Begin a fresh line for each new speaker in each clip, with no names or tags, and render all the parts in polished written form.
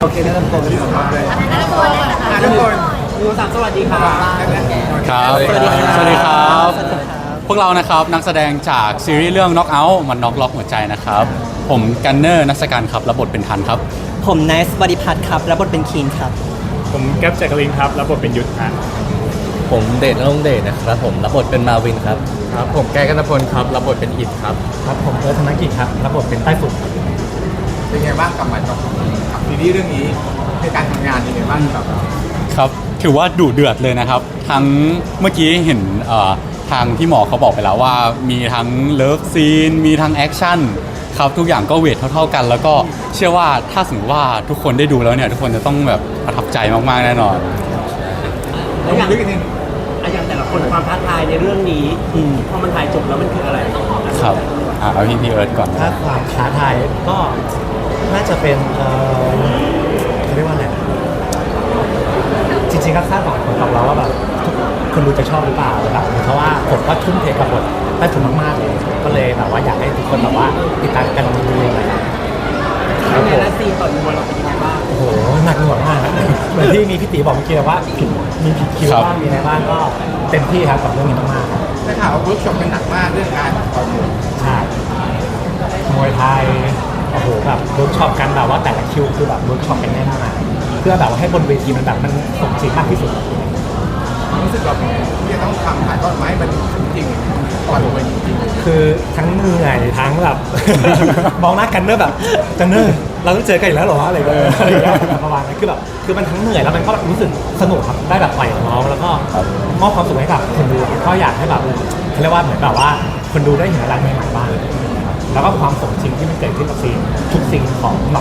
โอเคแล้วตัวที่สองเลยทุกคนดูสามสวัสดีครับ
ครับ
สวัสดีครับ
สวัสดีครับ พวกเรานะครับนักแสดงจากซีรีส์เรื่อง Knock Out มันน็อกล็อกหัวใจนะครับ ผมกันเนอร์นักสการครับรับบทเป็นทันครับ
ผมไนซ์บริพัตรครับรับบทเป็นคีนครับ
ผมแก๊ปแจ็คลินครับรับบทเป็นยุทธะ
ผมเดชนรงค์เดชนะครับผมรับบทเป็นมาวินครับครับผมแก้กันตพลครับรับบทเป็นอิดครับ
ครับผมธนกิจครับรับบทเป็นใต้ฝุ่นครับ
เป็นไงบ้างกับซีรีส์เรื่องนี้ในการทำงานยังไงบ้างกับ
ครับถือว่าดุเดือดเลยนะครับ ทั้งเมื่อกี้เห็นทางที่หมอเขาบอกไปแล้วว่ามีทั้งเลิฟซีนมีทั้งแอคชั่นครับทุกอย่างก็เวทเท่าๆกัน แล้วก็เชื่อว่าถ้าสมมติว่าทุกคนได้ดูแล้วเนี่ยทุกคนจะต้องแบบประทับใจมากๆแน่นอน
แล้วอย่าง
แต่ละคนความท้าทายในเรื่องนี้พอมันถ่ายจบแล้วมันคืออะไร
ครับเอาพี่เอิร์ธก่อน
ถ้าความท้าทายก็น่าจะเป็นเขาเรียกว่าอะไรจริงๆก็คาดหวังของเราว่าแบบคนดูจะชอบหรือเปล่าแบบเพราะว่าผมก็ทุ่มเทกับบทใต้ฝุ่นมากๆเลยก็เลยแบบว่าอยากให้ทุกคนแบบว่าติดตามกันดูเลย
แล้วในละซีนต่อมวยเราเป็นยังไงบ้าง
โอ้โหหนักหน่วงมากเหมือนที่มีพี่ตีบอกเมื่อกี้ว่ามีผิดคิวบ้างมีอะไรบ้างก็เต็มที่ครับกับเรื่องนี้มากๆครับ
ได้ข่าวว่าเวิร์กช็อปกันหนักมากเรื่องการต่อยมวย
ใช่มวยไทยโอ้โหแบบเวิร์กช็อปกันแบบว่าแต่ละคิวคือแบบเวิร์กช็อปกันแน่นมากเพื่อแบบว่าให้บนเวทีมันแบบมันสมจริงมากที่สุด
รู้สึกแบบที่จะต้องทำถ่ายทอดไม้มันจริงก่อนลงไปจริง
คือทั้งเหนื่อยทั้งแบบ มองหน้ากันเนอร์แบบกันเนอร์เราต้องเจอกันอีกแล้วเหรออะไรอย่างเงี้ยประมาณนั้นคือมันทั้งเหนื่อยแล้วมันก็รู้สึกสนุกครับได้แบบปล่อยของน้องแล้วก็มอบความสุขให้กับคนดูก็อยากให้แบบเขาเรียกว่าเหมือนแบบว่าคนดูได้เห็นอะไรใหม่ๆบ้างแล้วก็ความสมจริงที่มันเกิดขึ้นกับซีนทุกซีนของหมอ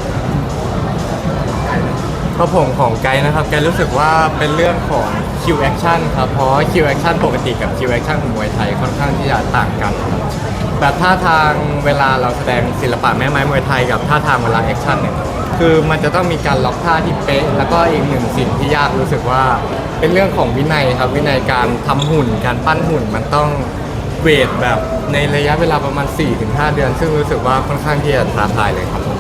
ก็ผมของไกด์นะครับไกด์รู้สึกว่าเป็นเรื่องของคิวแอคชั่นครับเพราะคิวแอคชั่นปกติกับคิวแอคชั่นของมวยไทยค่อนข้างที่จะต่างกันครับแบบท่าทางเวลาเราแสดงศิลปะแม่ไม้มวยไทยกับท่าทางเวลาแอคชั่นเนี่ยคือมันจะต้องมีการล็อกท่าที่เป๊ะแล้วก็อีกหนึ่งสิ่งที่ยากรู้สึกว่าเป็นเรื่องของวินัยครับวินัยการทำหุ่นการปั้นหุ่นมันต้องเวทแบบในระยะเวลาประมาณ 4-5 เดือน ซึ่งรู้สึกว่าค่อนข้างที่จะท้าทายเลยครับผม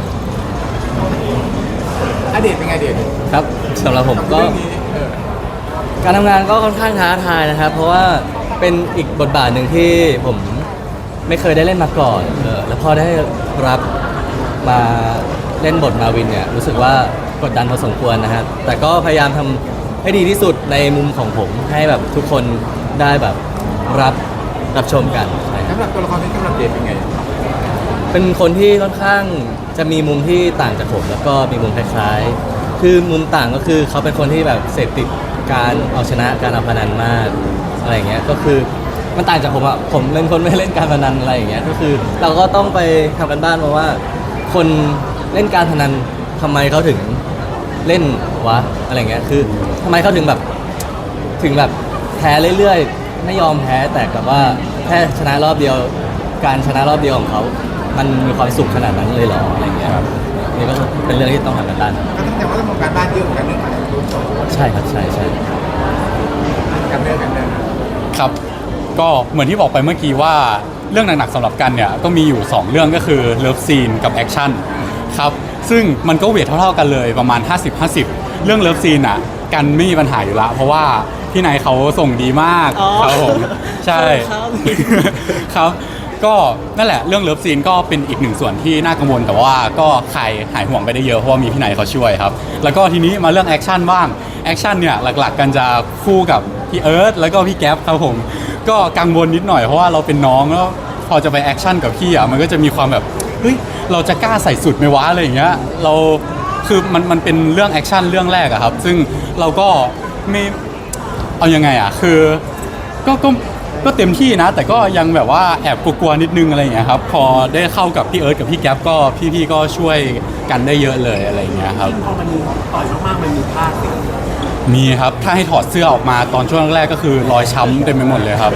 ๆอดีตเป็นไงเด็ก
ครับสำหรับผมก็
เรื่องนี้
การทำงานก็ค่อนข้างท้าทายนะครับ เพราะว่าเป็นอีกบทบาทหนึ่งที่ผมไม่เคยได้เล่นมาก่อนแล้วพอได้รับมาเล่นบทมาวินเนี่ยรู้สึกว่ากดดันพอสมควรนะครับแต่ก็พยายามทำให้ดีที่สุดในมุมของผมให้แบบทุกคนได้แบบรับชมกันใช่ครับ
สำหรับตัวละครที่กำลังเด็กเป็นไง
เป็นคนที่ค่อนข้างจะมีมุมที่ต่างจากผมแล้วก็มีมุมคล้ายๆคือมุมต่างก็คือเขาเป็นคนที่แบบเสพติดการเอาชนะการเอาพนันมากอะไรอย่างเงี้ยก็คือมันต่างจากผมอ่ะผมเป็นคนไม่เล่นการพนันอะไรอย่างเงี้ยก็คือเราก็ต้องไปทำกันบ้านมาว่า คนเล่นการพนันทำไมเขาถึงเล่นวะอะไรเงี้ยคือทำไมเขาถึงแบบแพ้เรื่อยๆไม่ยอมแพ้แต่กับว่าแค่ชนะรอบเดียวการชนะรอบเดียวของเขามันมีความสุขขนาดนั้นเลยเหรออะไรเงี้ยนี่ก็เป็นเรื่องที่ต้องทำกันบ้าน
ก็ต้องแต่ว่าต้องทำการบ้านเยอะเหมือนกันเรื่องการเวิร์กช็อป
ใช่ครับใช่
กันเดิน
ครับก็เหมือนที่บอกไปเมื่อกี้ว่าเรื่องหนักๆสำหรับกันเนี่ยก็มีอยู่ 2 เรื่องก็คือเลิฟซีนกับแอคชั่นครับซึ่งมันก็เวทเท่าๆกันเลยประมาณ 50-50 เรื่องเลิฟซีนอ่ะกันไม่มีปัญหาอยู่ละเพราะว่าพี่นายเขาส่งดีมากครับผมใช่ ครับก็นั่นแหละเรื่องเลิฟซีนก็เป็นอีกหนึ่งส่วนที่น่ากังวลแต่ว่าก็คลายหายห่วงไปได้เยอะเพราะว่ามีพี่นายเขาช่วยครับแล้วก็ทีนี้มาเรื่องแอคชั่นบ้างแอคชั่นเนี่ยหลักๆกันจะคู่กับพี่เอิร์ธแล้วก็พี่แก๊ปครับผมก็กังวลนิดหน่อยเพราะว่าเราเป็นน้องแล้วพอจะไปแอคชั่นกับพี่อ่ะมันก็จะมีความแบบเฮ้ยเราจะกล้าใส่สุดไหมวะอะไรอย่างเงี้ยเราคือมันเป็นเรื่องแอคชั่นเรื่องแรกอะครับซึ่งเราก็ไม่เอายังไงอะคือก็เต็มที่นะแต่ก็ยังแบบว่าแอบกลัวๆนิดนึงอะไรอย่างเงี้ยครับพอได้เข้ากับพี่เอิร์ธกับพี่แก๊ปก็พี่ๆก็ช่วยกันได้เยอะเลยอะไรอย่างเงี้ยครับ
พอมันต่อยมากๆมันมีพลาดสิ
มีครับถ้าให้ถอดเสื้อออกมาตอนช่วงแรกก็คือรอยช้ำเต็มไปหมดเลยครับ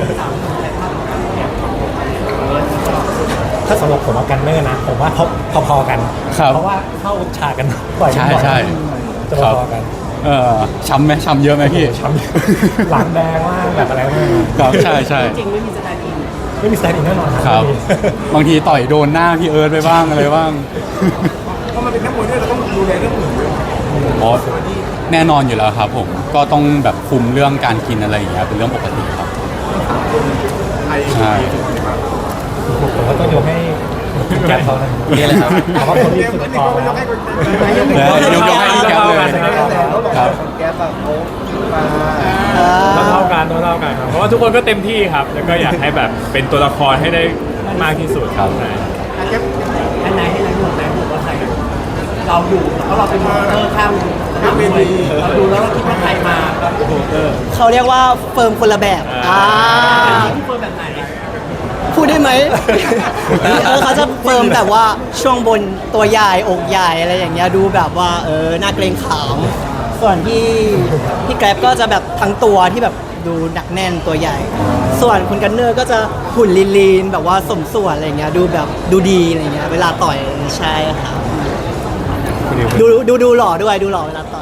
ถ้าสำหรับผมกับกันเนอร์นะผมว่าพอๆกัน
ครับ
เพราะว่าเข้าฉากกันบ่อย
ใช่
บ่อย
ใช่
จะพอๆกัน
ช้ำไหมช้ำเยอะไหมพี่
ช้ำหลังแดงมากแบบอะไรมาก
ครับใช่ใช่
จริงไม่มีสไตล์อิน
ไม่มีสไตล์อินแน่นอน
ครับ
ไม่มี
บางทีต่อยโดนหน้าพี่เอิร์ธไปบ้างอะไรบ้าง
เพราะมันเป็นนักมวยด้วยเราต้องดูแลเรื่องอื่นด้วย
อ๋อแน่นอนอยู่แล้วครับผมก็ต้องแบบคุมเรื่องการกินอะไรอย่างเงี้ยเป็นเรื่องปกติครับ
ไอ้
ใช่
ผมก็ต้องยกให้แก๊ปเขานะ
นี่แหละครับ
เพราะว่าคนที่สุด
นี่
ต่อ
ก็
แล้ว
ให้คน
ยกให้พี่แก๊ปเลยครับ
แกแบบโอ้มา
เท่ากันเท่ากันครับเพราะว่าทุกคนก็เต็มที่ครับ แล้วก็อยากให้แบบเป็นตัวละครให้ได้มากที่สุด
ครับ
ใช่
แก
อันไหนให้นายดูนายดูว่าใครเราอยู่เพราะเราเป็นมอนิเตอร์ข้ามสนามมวยเราดูแล้วเราคิดว่าใครมาโหเตอร์
เขาเรียกว่าเฟิร์มคนละแบบ
ที่เฟิร์มแบบไหน
พูดได้ไหม เขาจะเฟิร์มแบบว่าช่วงบนตัวใหญ่อกใหญ่อะไรอย่างเงี้ยดูแบบว่าน่าเกรงขามส่วนพี่แกร็บก็จะแบบทั้งตัวที่แบบดูหนักแน่นตัวใหญ่ ส่วนคุณกันเนอร์ก็จะหุ่นลีนๆแบบว่าสมส่วนอะไรเงี้ยดูแบบดูดีอะไรเงี้ยเวลาต่อยใช่ครับดูหล่อด้วยดูหล่อเวลาต่อย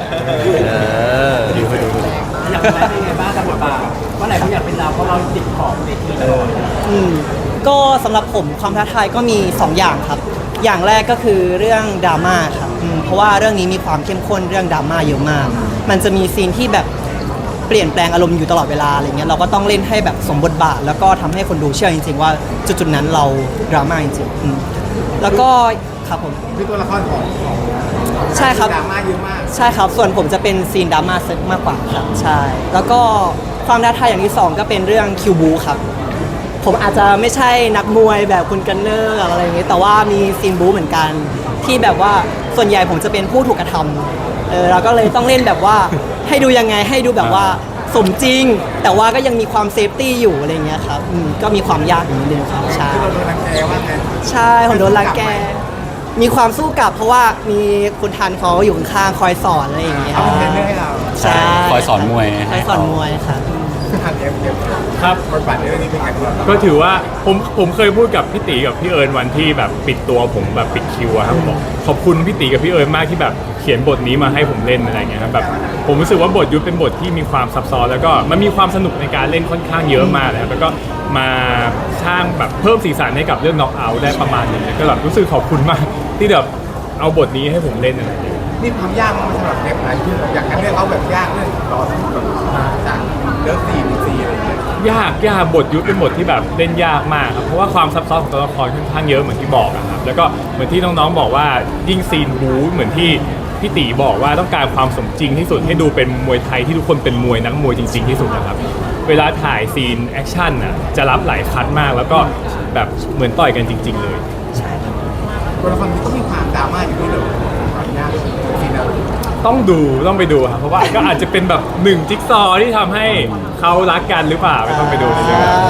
อยากเป็นอะไรเป็นไงบ้างกับบทบาทว่าไหนเขาอยากเป็นเราเพราะเราติดขอบเวทีตลอด
ก็สำหรับผมความท้าทายก็มี 2 อย่างครับ อย่างแรกก็คือเรื่องดราม่าครับเพราะว่าเรื่องนี้มีความเข้มข้นเรื่องดราม่าเยอะมาก มันจะมีซีนที่แบบเปลี่ยนแปลงอารมณ์อยู่ตลอดเวลาอะไรเงี้ยเราก็ต้องเล่นให้แบบสมบทบาท แล้วก็ทำให้คนดูเชื่อจริงๆว่าจุดๆนั้นเราดราม่าจริงๆแล้วก็ครับผม
คือตัวละครของ
ใช่ครับ
ดราม่าเยอะมาก
ใช่ครับ ส่วนผมจะเป็นซีนดราม่าเซตมากกว่าครับใช่ แล้วก็ความท้าทายอย่างที่ 2 ก็เป็นเรื่องคิวบูครับ ผมอาจจะไม่ใช่นักมวยแบบคุณกันเนอร์อะไรอย่างเงี้ยแต่ว่ามีซีนบูเหมือนกัน ที่แบบว่าส่วนใหญ่ผมจะเป็นผู้ถูกกระทำเราก็เลยต้องเล่นแบบว่าให้ดูยังไงให้ดูแบบว่าสมจริง แต่ว่าก็ยังมีความเซฟตี้อยู่อะไรเงี้ยครับก็มีความยากอยู่นิดนึงครับใช่
ที่เราโดนรังแกว่าไง
ใช่ผมโดนรังแก มีความสู้กลับเพราะว่ามีคุณทันเขาอยู่ข้างๆคอยสอนอะไรอย่างเงี้ย
เขาเป็นเทรนเนอร์ให้เรา
ใช่
คอยสอนมวย
คอยสอนมวยครับ
ทันเอฟ
ครับ
บทบาทในเรื่องนี้เป็นไงบ้าง
ก็ถือว่าผมเคยพูดกับพี่ตีกับพี่เอิญวันที่แบบปิดตัวผมแบบปิดคิวอะครับบอกขอบคุณพี่ตีกับพี่เอิญมากที่แบบเขียนบทนี้มาให้ผมเล่นอะไรเงี้ยครับแบบผมรู้สึกว่าบทยุทธเป็นบทที่มีความซับซ้อนแล้วก็มันมีความสนุกในการเล่นค่อนข้างเยอะมากเลยครับแล้วก็มาสร้างแบบเพิ่มสีสันให้กับเรื่องน็อกเอาท์ได้ประมาณนึงก็แบบรู้สึกขอบคุณมากที่แบบเอาบทนี้ให้ผมเล่นอะไรเงี้ย
นี่ความยากมันสำหรับแกไหนคืออยากกันเรื่องเขาแบบยากเรื่องต่อสู้แบบจากเลิฟซีอะไรอย่างเงี้ย
ยากบทยุทธเป็นบทที่แบบเล่นยากมากครับเพราะว่าความซับซ้อนของตัวละครค่อนข้างเยอะเหมือนที่บอกอะครับแล้วก็เหมือนที่น้องๆบอกว่ายิ่งซีนบู๊เหมือนที่พี่ตีบอกว่าต้องการความสมจริงที่สุดให้ดูเป็นมวยไทยที่ทุกคนเป็นมวยนักมวยจริงๆที่สุดนะครับเวลาถ่ายซีนแอคชั่นน่ะจะรับหลายคัดมากแล้วก็แบบเหมือนต่อยกันจริง ๆ เลย
ตัวละครนี้ก็มีความดราม่าอยู่ด้วยเลยความยากซีนนั้น
ต้องไปดูครับเพราะว่าก็อาจจะเป็นแบบหนึ่งจิ๊กซอว์ที่ทำให้เขารักกันหรือเปล่าไม่ต้องไปดูในเรื่องนั้น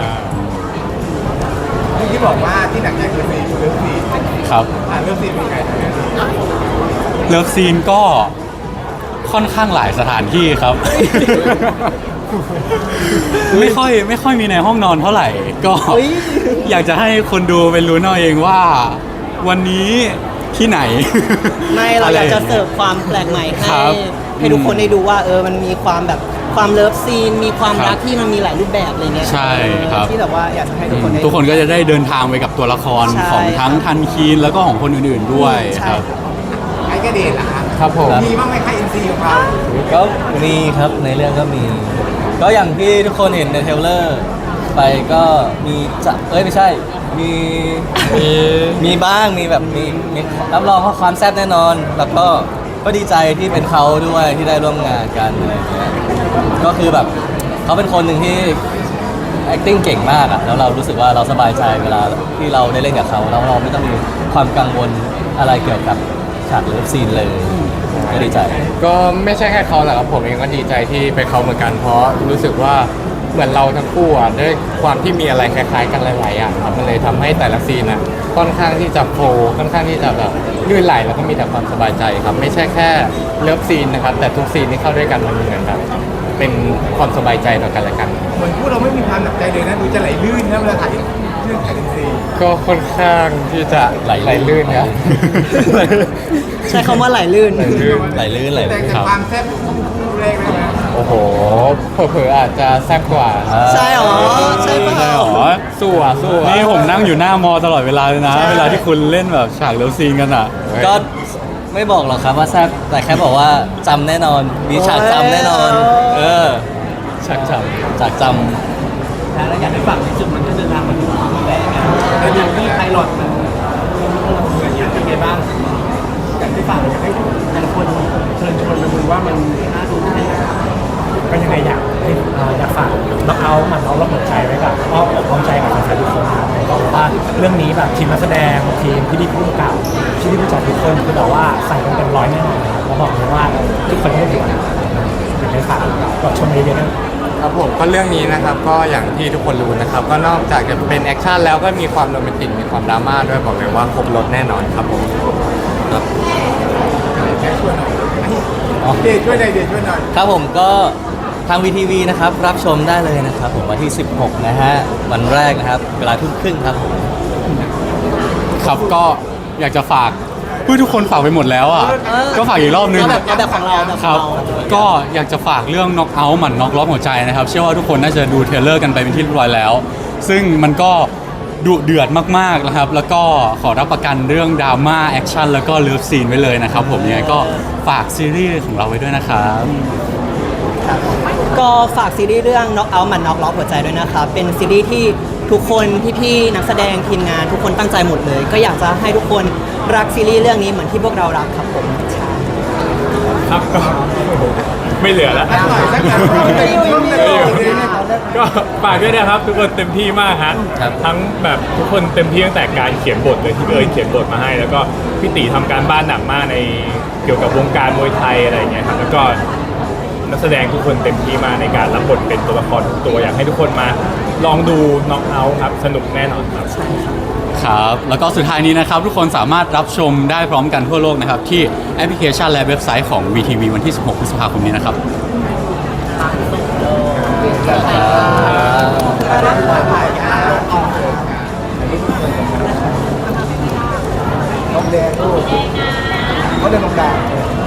ที่บอกว่าที่หนักใจคือซีนเลิฟซีน
ครับ
เลิฟซีนเป็นไง
เลิฟซีนก็ค่อนข้างหลายสถานที่ครับ ไม่ค่อยมีในห้องนอนเท่าไหร่ ก็
เฮ้ย
อยากจะให้คนดูเป็นรู้เอาเองว่า วันนี้ที่ไหน
ไม่เราอยากจะเสิร์ฟความแปลกใหม่ให้
ครับ
ให้ทุกคนได้ดูว่ามันมีความแบบความเลิฟซีนมีความรัก
ครับ
ที่มันมีหลายรูปแบบอะไรเงี้ย
ใช่ครับ
ที่แบบว่าอยากจะให้ทุกคนได้
ทุกคนก็จะได้เดินทางไปกับตัวละคร
ใช่
ของทั้งทันคีนแล้วก็ของคนอื่นๆด้วย
ใช่
ครับ
ไอ้กระเดนล่ะครับ
ครับผม
มีบ้างไหมใครอินซีของเรา
ก็มีครับในเรื่องก็มี ก็อย่างที่ทุกคนเห็นในเทรลเลอร์ไปก็มีไม่ใช่มีบ้างมีแบบมีรับรองว่าความแซ่บแน่นอน แล้วก็ดีใจที่เป็นเขาด้วยที่ได้ร่วมงานกันอะไรอย่างเงี้ยก็คือแบบเขาเป็นคนหนึ่งที่ acting เก่งมากอะแล้วเรารู้สึกว่าเราสบายใจเวลาที่เราได้เล่นกับเขาแล้วเราไม่ต้องมีความกังวลอะไรเกี่ยวกับฉากเลิฟซีนเลยก็ดีใจ
ก็ไม่ใช่แค่เขาแหละครับผมเองก็ดีใจที่เป็นเขาเหมือนกันเพราะรู้สึกว่าเหมือนเราทั้งคู่อ่ะด้วยความที่มีอะไรคล้ายๆกันหลายๆอย่างครับมันเลยทำให้แต่ละซีนอ่ะค่อนข้างที่จะโฟล์ค่อนข้างที่จะแบบลื่นไหลแล้วก็มีแต่ความสบายใจครับไม่ใช่แค่เลิฟซีนนะครับแต่ทุกซีนที่เข้าด้วยกันมันเหมือนแบบเป็นความสบายใจต่อกันและกัน
เหมือนพวกเราไม่มีความหนักใจเลยนะดูจะไหลลื่นนะเวลาถ่ายเรื่องถ่ายอินซี
ก็ค่อนข้างที่จะไหลลื่นครับ
ใช้คำว่าไหลลื่น
ไหลลื่น
แต่ความแซ่บต้องคู่แรกเลยนะ
โอ้โหเผลอๆอาจจะแซ่บกว่า
ใช่หรอใช่เปล่า
ใช่หรอ
สู้อ่ะ
นี่ผมนั่งอยู่หน้ามอตลอดเวลาเลยนะ เวลาที่คุณเล่นแบบฉากเลิฟซีนกันอ่ะ
ก็ไม่บอกหรอกครับว่าแซ่บแต่แค่บอกว่าจำแน่นอน มีฉากจำแน่นอน เออฉากจำ
แล้วอยากให้ฝากในจุดมันก็เดินทางมาถึงรูปแบบแล้วอย่างที่ไพลอตมันอยากเป็นไงบ้างอยากให้ฝากอยากให้แต่ละคนเชิญชวนมาดูว่ามันน่าดูแค่ไหน
ก็ยังไงอยากฝากน้องเอามันเอารับหัวใจไว้กับอ้อมอกอ้อมใจกับแฟนๆทุกคนนะครับบอกว่าเรื่องนี้แบบทีมนักแสดงทีมพี่ดีผู้กำกับที่ดีผู้จัดทุกคนคือแบบว่าใส่กันเต็มร้อยแน่นอนครับแล้วบอกเลยว่าทุกคนไม่ผิดหวังเป็นไงฝากกดชมเยอะๆนะครับ
ผมก็เรื่องนี้นะครับก็อย่างที่ทุกคนรู้นะครับ ก็นอกจากจะเป็นแอคชั่นแล้วก็มีความโรแมนติกมีความดราม่าด้วยบอกเลยว่าครบรถแน่นอนครับผมครับ
แค่ช่วยหน่อยเดชช่วยหน่อยเดชช่วยหน่อย
ครับผมก็ทาง VTV นะครับรับชมได้เลยนะครับผมวันที่ 16 นะฮะวันแรกนะครับเวลาทุ่มครึ่งครับผม
ครับก็อยากจะฝากเพื่อทุกคนฝากไปหมดแล้วอ่ะก็ฝากอีกรอบนึง
เอาแบบของเราแบบ
ค
ขอ
รั
ง
บ
เรา
ก็อยากจะฝากเรื่อง knock out หมั่น knock ล้อมหัวใจนะครับ เชื่อว่าทุกคนน่าจะดูเทรลเลอร์กันไปเป็นที่เรียบร้อยแล้ว ซึ่งมันก็ดุเดือดมากๆนะครับ แล้วก็ขอรับประกันเรื่องดราม่าแอคชั่นแล้วก็เลิฟซีนไว้เลยนะครับผมยังไงก็ฝากซีรีส์ของเราไว้ด้วยนะครับ
ก็ฝากซีรีส์เรื่อง Knock Out มัน Knock ล็อกหัวใจด้วยนะครับเป็นซีรีส์ที่ทุกคนพี่ๆนักแสดงทีมงานทุกคนตั้งใจหมดเลย ก็อยากจะให้ทุกคนรักซีรีส์เรื่องนี้เหมือนที่พวกเรารักครับผมใช่
ครับก็ไม่เหลือแล้ว
สักหน่อยสักหน่อย
ก็ฝากด้วยนะครับทุกคนเต็มที่มากฮะ
ครับ
ทั้งแบบทุกคนเต็มที่ตั้งแต่การเขียนบทเลยที่พี่เอิญเขียนบทมาให้ แล้วก็พี่ตีทำการบ้านหนักมากในเกี่ยวกับวงการมวยไทยอะไรอย่างเงี้ยครับแล้วก็นักแสดงทุกคนเต็มที่มากในการรับบทเป็นตัวละครทุกตัวอยากให้ทุกคนมาลองดูน็อกเอาท์ครับสนุกแน่นอนครับ
ครับ แล้วก็สุดท้ายนี้นะครับ ทุกคนสามารถรับชมได้พร้อมกันทั่วโลกนะครับ ที่แอปพลิเคชันและเว็บไซต์ของ VTV วันที่ 16 พฤษภาคมนี้นะครับ
น้องแดงลูกเขาเดินตรงกลาง